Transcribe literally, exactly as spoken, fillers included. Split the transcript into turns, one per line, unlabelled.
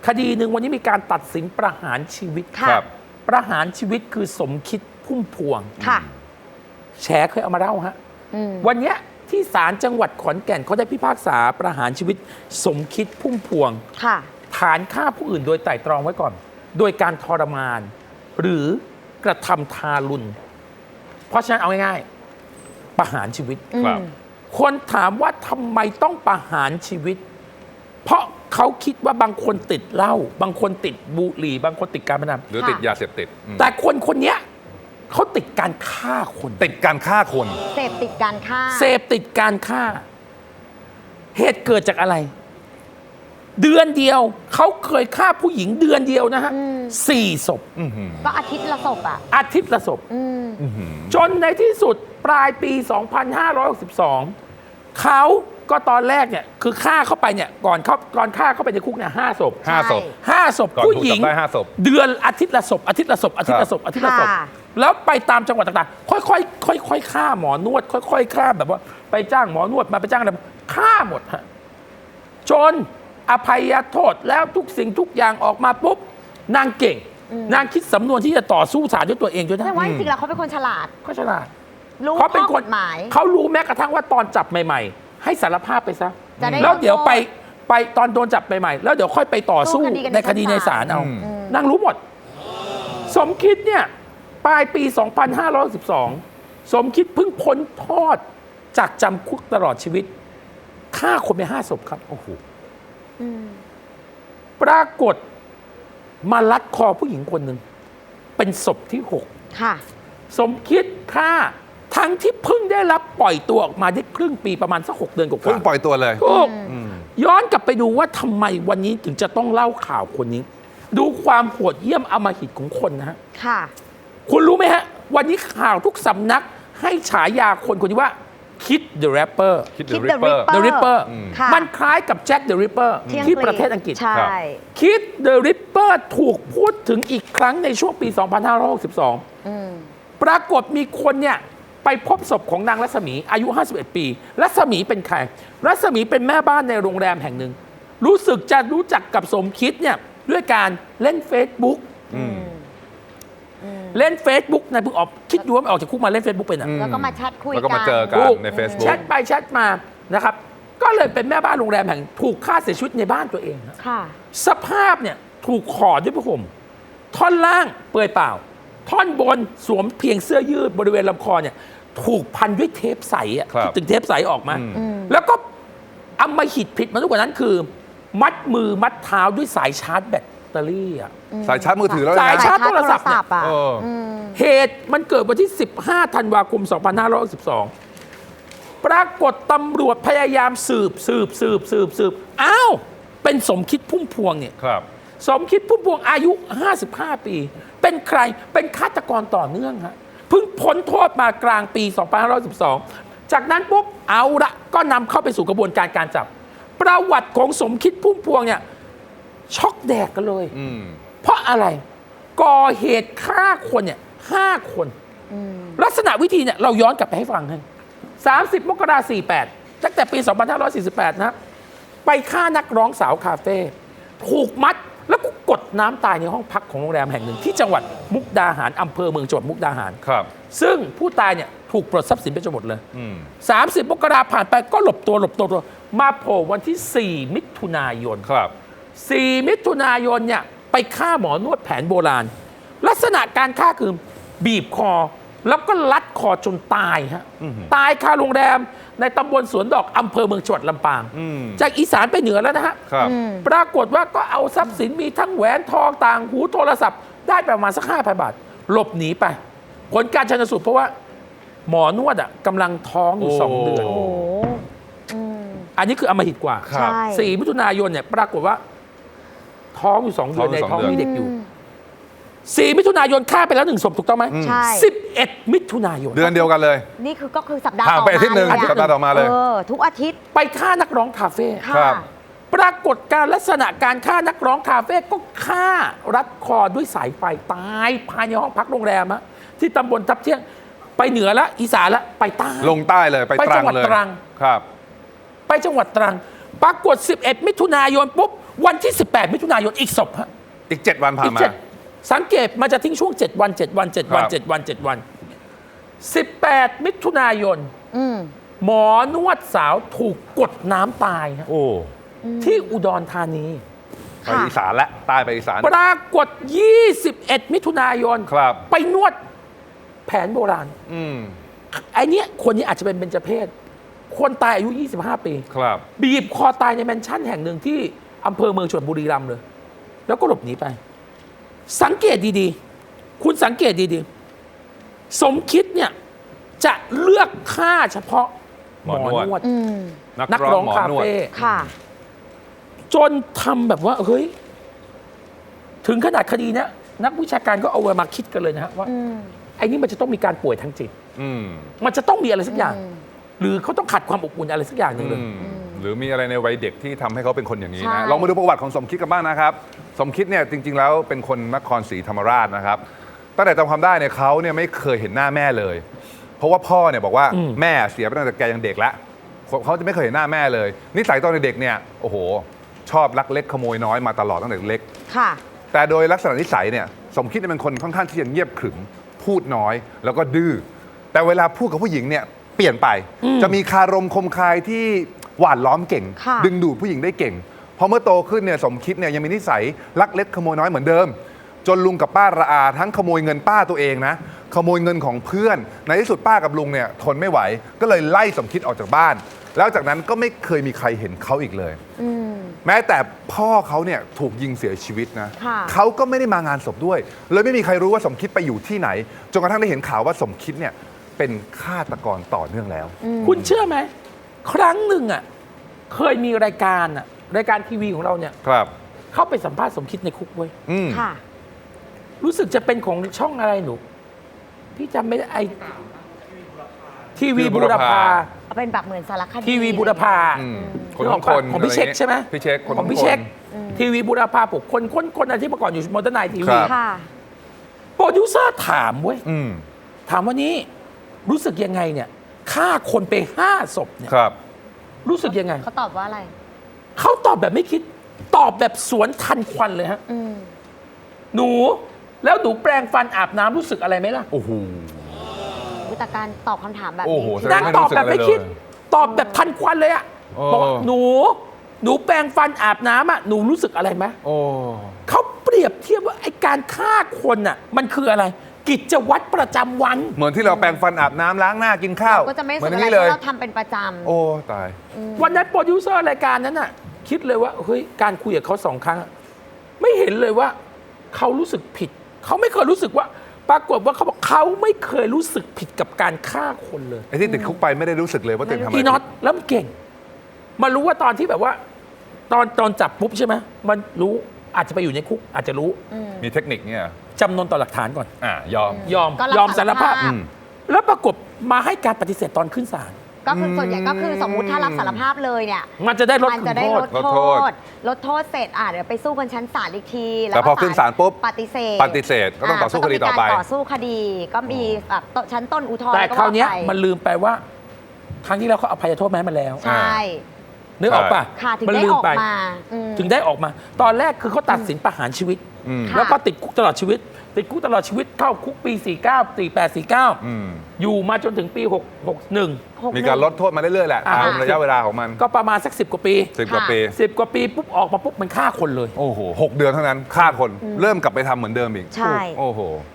คดีหนึ่งวันนี้มีการตัดสินประหารชีวิต
ครับ
ประหารชีวิตคือสมคิดพุ่มพวง
ค่ะ
แฉเคยเอามาเล่าฮะ
อืม
วันเนี้ยที่ศาลจังหวัดขอนแก่นเขาได้พิพากษาประหารชีวิตสมคิดพุ่มพวง
ค่ะ
ฐานฆ่าผู้อื่นโดยไตร่ตรองไว้ก่อน โดยการทรมาน หรือกระทำทารุณ เพราะฉะนั้นเอาง่ายๆประหารชีวิต
ครับ
คนถามว่าทำไมต้องประหารชีวิต เพราะเขาคิดว่าบางคนติดเหล้าบางคนติดบุหรี่บางคนติดการพนัน
หรือติดยาเสพติดอืม
แต่คนคนเนี้ยเขาติดการฆ่าคน
ติดการฆ่าคน
เสพติดการฆ่า
เสพติดการฆ่า เหตุเกิดจากอะไร เดือนเดียวเขาเคยฆ่าผู้หญิงเดือนเดียวนะฮะ
อืม
สี่ศพ
อื้อหือ
ก็อาทิตย์ละศพอ่ะ
อาทิตย์ละศพ
อืม
อื้อหือ
จนในที่สุดปลายปี สองพันห้าร้อยหกสิบสอง เขาก็ตอนแรกเนี่ยคือฆ่าเข้าไปเนี่ยก่อนเขาก่อนฆ่าเข้าไปในคุกเนี่ยห้าศพ
ห้าศพ
ห้าศพ
ก่อน
ผู้
ถูก
หญิง
จับได้ห้าศพ
เดือนอาทิตย์ละศพอาทิตย์ละศพอาทิตย์ละศพอาทิตย์ละศพ
ค่ะ
แล้วไปตามจังหวัดต่างๆ ค่อยๆค่อยๆฆ่าหมอนวด ค่อยๆฆ่าแบบว่าไปจ้างหมอนวดมาไปจ้างอะไรฆ่าหมดฮะจนอภัยโทษแล้วทุกสิ่งทุกอย่างออกมาปุ๊บนางเก่ง นางคิดสำนวนที่จะต่อสู้ศาลด้วยตัวเองด้วยนะ
แต่ว่าจริงๆแล้วเขาเป็นคนฉลาด
ก็ฉลาด
รู้
เขาเป็น
ข้อ
ค
ก
น
ฎหมาย
เขารู้แม้กระทั่งว่าตอนจับใหม่ ๆ ให้สารภาพไปซะ
จะได้
แล้วเดี๋ยว
ลดโทษ
ไปไปตอนโดนจับใหม่ๆแล้วเดี๋ยวค่อยไปต่อสู้
สู้คดีกัน
ในคดี
ใน
ใน
ชั้น
ศา
ศา
ล
ล
เอา
อืม
นางรู้หมด สมคิดเนี่ยปลายปี สองพันห้าร้อยสิบสอง สมคิดเพิ่งพ้นโทษจากจำคุกตลอดชีวิตฆ่าคนไปห้าศพครับโอ้โห
อืม
ปรากฏมาลัดคอผู้หญิงคนหนึ่งเป็นศพที่หก
ค่ะ
สมคิดฆ่าทั้งที่เพิ่งได้รับปล่อยตัวออกมาได้ครึ่งปีประมาณสักหกเดือนกว่าๆ
เพิ่งปล่อยตัวเลย
ถูก
อืม
ย้อนกลับไปดูว่าทำไมวันนี้ถึงจะต้องเล่าข่าวคนนี้ ดูความโหดเยี่ยมอำมหิตของคนนะฮะ
ค่ะ
คุณรู้ไหมฮะ วันนี้ข่าวทุกสำนักให้ฉายาคนคนนี้ว่าคิด the rapper
คิด
คิ
The
ด The
Ripper
Ripper
the ripper
อืม
ค่ะ
มันคล้ายกับแจ็ค the ripper
ที่อังกฤษ
ที่ประเทศอังกฤษ
ใช่
ครับ
คิด the ripper ถูกพูดถึงอีกครั้งในช่วงปี สองพันห้าร้อยหกสิบสอง
อืม
ปรากฏมีคนเนี่ยไปพบศพของนางรัศมีอายุ ห้าสิบเอ็ด ปี รัศมีเป็นใคร รัศมีเป็นแม่บ้านในโรงแรมแห่งหนึ่ง รู้สึกจะรู้จักกับสมคิดเนี่ยด้วยการเล่น Facebook
อืม
เล่น Facebook นายเพิ่งออกคิดดูว่ามันออกจากคุกมาเล่น Facebook เป็นอ่ะ
อืม
แล้วก็มาแชทคุย
แล้วก็
กั
มาน เจอกัน
ถูก
ใน Facebook
แชทไปแชทมานะครับ ก็เลยเป็นแม่บ้านโรงแรมแห่งถูกฆ่าเสียชีวิตในบ้านตัวเองฮะ
ค่ะ
สภาพเนี่ยถูกห่อด้วยผ้าห่มท่อนล่างเปลือยเปล่า ท่อนบนสวมเพียงเสื้อยืดบริเวณลำคอเนี่ยถูกพันด้วยเทปใสอ่ะ
ครับ
ถึงเทปใสออกมา
อืม
อืม
แล้วก็อำมหิตผิดมาทุกกว่านั้นคือ มัดมือมัดเท้าด้วยสายชาร์จแบตเตอรี่อ่ะ
สายชาร์จมือถือแล้ว
สาย
นะ
ชาร์จโทรศัพท์เนี่ย
อ่ะ
เออ
อืม
เหตุมันเกิดวันที่ สิบห้า ธันวาคม สองพันห้าร้อยหกสิบสอง ปรากฏตำรวจพยายามสืบสืบสืบสืบสืบอ้าว เป็นสมคิดพุ่มพวงเนี่ย
ครับ
สมคิดพุ่มพวงอายุ ห้าสิบห้า ปี เป็นใคร เป็นฆาตกรต่อเนื่องฮะ เพิ่งพ้นโทษมากลางปี สองพันห้าร้อยสิบสอง จากนั้นปุ๊บ เอาละก็นำเข้าไปสู่กระบวนการการจับ ประวัติของสมคิดพุ่มพวงเนี่ย ช็อกแดกกันเลย
อืม
เพราะอะไร ก่อเหตุฆ่าคนเนี่ยห้าคน
อืม
ลักษณะวิธีเนี่ยเราย้อนกลับไปให้ฟังให้สามสิบ มกราคม สี่สิบแปด ตั้งแต่ปี สองพันห้าร้อยสี่สิบแปด นะ ไปฆ่านักร้องสาวคาเฟ่ ถูกมัดแล้วก็กดน้ำตายในห้องพักของโรงแรมแห่งหนึ่งที่จังหวัดมุกดาหารอำเภอเมืองจังหวัดมุกดาหาร
ครับ
ซึ่งผู้ตายเนี่ยถูกปลดทรัพย์สินไปจนหมดเลย
อืม
สามสิบ มกราคมผ่านไปก็หลบตัวหลบตัวหลบตัวมาโผล่วันที่ สี่ มิถุนายน
ครับ
สี่ มิถุนายนเนี่ยไปฆ่าหมอนวดแผนโบราณ ลักษณะการฆ่าคือบีบคอ แล้วก็ลัดคอจนตายฮะ
อื้อหือ
ตายคาโรงแรมในตำบลสวนดอกอำเภอเมืองจังหวัดลำปาง
อืม
จากอีสานไปเหนือแล้วนะฮะ
ครับ
อืม
ปรากฏว่าก็เอาทรัพย์สินมีทั้งแหวนทองต่างหูโทรศัพท์ ได้ประมาณสักห้าพันบาท หลบหนีไป ผลการชันสูตรเพราะว่าหมอนวดอ่ะกำลังท้องอยู่สองเดือน
โอ้โหอืม
อันนี้คืออำมหิตกว่า
ครับ
ใช่
สี่ มิถุนายนเนี่ยปรากฏว่าท้องอยู่สองเดือนใน
ท้องอยู่สอง
ท้อง
เดือน
มีเด็กอยู่ สี่ มิถุนายนฆ่าไปแล้วหนึ่งศพถูกต้องไหม
ใช่
สิบเอ็ด มิถุนายน
เดือนเดียวกันเลย
นี่คือก็คือสัปดาห์
ห่าง
ต่อ
ไปอาทิตย์หนึ่ง
มาเลย
สัปดาห์ต่อมาเลย
เออ ทุกอาทิตย์
ไปฆ่านักร้องคาเฟ่
ครั
ค่ะ
บ
ปรากฏการลักษณะการฆ่านักร้องคาเฟ่ก็ฆ่ารัดคอด้วยสายไฟตายภายในห้องพักโรงแรมอะที่ตำบลทับเที่ยงไปเหนือละอีสานละไปใต้
ลงใต้เลยไป
ไป
ตรั
จั
ง
งหวัด
เลย
ตรัง
ครับ
ไปจังหวัดตรัง ปรากฏ สิบเอ็ด มิถุนายนปุ๊บวันที่ สิบแปด มิถุนายนอีกศพฮะ
อีกเจ็ดวันผ่า
อี
น
ก
มา
เจ็ดสังเกตมันจะทิ้งช่วง เจ็ด วัน เจ็ด วัน เจ็ด วัน
ครับ
เจ็ด วัน เจ็ด วัน สิบแปด มิถุนายน
อืม
หมอนวดสาวถูกกดน้ำตายฮะ
โอ้
ที่อุดรธานี
ไปอีสานและใต้ไปอีสาน
ปรากฏ ยี่สิบเอ็ด มิถุนายน
ครับ
ไปนวดแผนโบราณ
อืม
ไอเนี้ยคนนี้อาจจะเป็นเบญจเพศ คนตายอายุ ยี่สิบห้า ปี
ครับ
บีบคอตายในแมนชั่นแห่งหนึ่งที่อำเภอเมืองชลบุรีรัมย์เลย แล้วก็หลบหนีไป สังเกตดีๆ คุณสังเกตดีๆ สมคิดเนี่ย จะเลือกฆ่าเฉพาะหมอนวด
อืม
นักร้อง
หมอ
คาน
วด
เฟ่
ค่ะ
จนทำแบบว่า เฮ้ย ถึงขนาดคดีเนี้ยนักวิชาการก็เอามาคิดกันเลยนะฮะว่า
อืม
ไอ้นี่มันจะต้องมีการป่วยทางจิต
อืม
มันจะต้องมีอะไรสักอย่าง
อืม
หรือเขาต้องขัดความอบอุ่นอะไรสักอย่างหนึ่งเลย
อืมหรือมีอะไรในวัยเด็กที่ทำให้เขาเป็นคนอย่างนี้
ใช่
นะลองมาดูประวัติของสมคิดกันบ้างนะครับ สมคิดเนี่ยจริง ๆ แล้วเป็นคนนครศรีธรรมราชนะครับตั้งแต่จำความได้เนี่ยเขาเนี่ยไม่เคยเห็นหน้าแม่เลย เพราะว่าพ่อเนี่ยบอกว่า
อืม
แม่เสียไปตั้งแต่แกยังเด็กแล้วเขาจะไม่เคยเห็นหน้าแม่เลยนิสัยตอนเด็กๆเนี่ยโอ้โห ชอบลักเล็กขโมยน้อยมาตลอดตั้งแต่เล็ก
ค่ะ
แต่โดยลักษณะนิสัยเนี่ยสมคิดเนี่ยเป็นคนค่อนข้างที่จะเงียบขรึมพูดน้อยแล้วก็ดื้อแต่เวลาพูดกับผู้หญิงเนี่ยเปลี่ยนไป จะมีคารมคมคายที่หวานล้อมเก่ง
ค่ะ
ดึงดูดผู้หญิงได้เก่งพอเมื่อโตขึ้นเนี่ยสมคิดเนี่ยยังมีนิสัยลักเล็กขโมยน้อยเหมือนเดิม จนลุงกับป้าระอาทั้งขโมยเงินป้าตัวเองนะขโมยเงินของเพื่อน ในที่สุดป้ากับลุงเนี่ยทนไม่ไหว ก็เลยไล่สมคิดออกจากบ้าน แล้วจากนั้นก็ไม่เคยมีใครเห็นเขาอีกเลย
อืม
แม้แต่พ่อเขาเนี่ยถูกยิงเสียชีวิตนะ
ค่ะ
เขาก็ไม่ได้มางานศพด้วย เลยไม่มีใครรู้ว่าสมคิดไปอยู่ที่ไหน จนกระทั่งได้เห็นข่าวว่าสมคิดเนี่ยเป็นฆาตกรต่อเนื่องแล้ว
คุณเชื่อไหม ครั้งหนึ่งอ่ะ เคยมีรายการอ่ะ รายการทีวีของเราเนี่ย
ครับ
เข้าไปสัมภาษณ์สมคิดในคุกเว้ย
อืม
ค่ะ
รู้สึกจะเป็นของช่องอะไรหนู พี่จำไม่ได้ไอทีวีบูรพา
เอาเป็นแบบเหมือนสารคดี
ทีวีบูรพา
อืม
ข
คน
อง
คน
ของพี่เช็คใช่ไหม
พี่เช็คคน
ของพี่
คน
เช็ค ทีวีบูรพาปกคนคนคนอะไรที่เมื่อก่อนอยู่มอเตอร์ไนท์ที
ค
วี
รับ
ค่ะ
โปรดิวเซอร์ถามเว้ย
อืม
ถามว่านี้รู้สึกยังไงเนี่ยฆ่าคนไปห้าศพเนี่ย
ครับ
รู้สึกยังไง
เขาตอบว่าอะไร
เขาตอบแบบไม่คิด ตอบแบบสวนทันควันเลยฮะ
อืม
หนู แล้วหนูแปรงฟันอาบน้ำรู้สึกอะไรไหมล่ะ
โอ้โห
วิธีการตอบคำถามแบบ
โอ้
นี้
โห
ที่
นางตอบแบบไม่คิด
ไม่รู้สึกอะไรเลย
ตอบแบบทันควันเลยอะ
เออ
บอกว่าหนู หนูแปรงฟันอาบน้ำอะหนูรู้สึกอะไรไหม
โอ้
เขาเปรียบเทียบว่าไอการฆ่าคนอะมันคืออะไร กิจวัตรประจำวัน
เหมือนที่เราแปรงฟันอาบน้ำล้างหน้ากินข้าว
ก็จะไม่
เห
รู้
มือน
สึ
อก ย่าง
อะไร
นี้เลย
เพราะเราทำเป็นประจำ
โอ้ตาย
วันนั้นโปรดิวเซอร์รายการนั้นน่ะ คิดเลยว่าเฮ้ยการคุยกับเขาสองครั้งอะไม่เห็นเลยว่าเขารู้สึกผิด เขาไม่เคยรู้สึกว่า ปรากฏว่าเขาบอกเขาไม่เคยรู้สึกผิดกับการฆ่าคนเลย
ไอ้ที่ติดคุกไปไม่ได้รู้สึกเลยว่าตัวเองทำอะไร
อีน็อต
ผิด
แล้วมันเก่ง มารู้ว่าตอนที่แบบว่า ตอนตอนจับปุ๊บใช่ไหมมันรู้อาจจะไปอยู่ในคุก อาจจะรู้
มีเทคนิคเนี่ย
จำนวนต่อหลักฐานก่อน
อ่ายอม
ยอม
ก็รับ
ยอมสารภาพ
สารภาพ
อืม
แล้วปรากฏมาให้การปฏิเสธตอนขึ้นศาล
ก็คือส่วนใหญ่ก็คือสมมุติถ้ารับสารภาพเลยเนี่ย
มันจะได้ลด
มัน
คุณ
จะได้
โท
ล
ษ
ด
ลด
โท
โทษ
ษ ลดโทษเสร็จอ่ะเดี๋ยวไปสู้กันชั้นศาลอีกที
แต่พอขึ้นศาลปุ๊บ
ปฏิเสธ
ปฏิเสธก็ต้องต่อสู้คดีต่อไป
ก็งมีการต่อสู้คดี ก็มีแบบชั้นต้นอุทธรณ์
แต่คราวเนี้ย
ก็ไป
มันลืมไปว่า ครั้งที่แล้วเขาอภัยโทษแม้มาแล้ว
ใช่
นึกออกปะ
ค่ะถึง
มัน
ได้
ลื
อ
ม
อก
ไป
มาอืม
ถึงได้ออกมา ตอนแรกคือเขาตัดสินประหารชีวิต
อืม
ค่ะ
แล้วก็ติดคุกตลอดชีวิต ติดคุกตลอดชีวิตเข้าคุกปี สี่เก้า สี่แปด สี่เก้า
อืม
อยู่มาจนถึงปีหก หกหนึ่ง
หก
มีการลดโทษมาเรื่อยๆแหละ
อ่า
ตามระยะเวลาของมัน
ก็ประมาณสักสิบกว่าปี
สิบกว่าปี
สิบกว่าปีปุ๊บออกมาปุ๊บมันฆ่าคนเลย
โอ้โหหกเดือนเท่านั้นฆ่าคนเริ่มกลับไปทำเหมือนเดิมอีก
ใช่
โอ้โห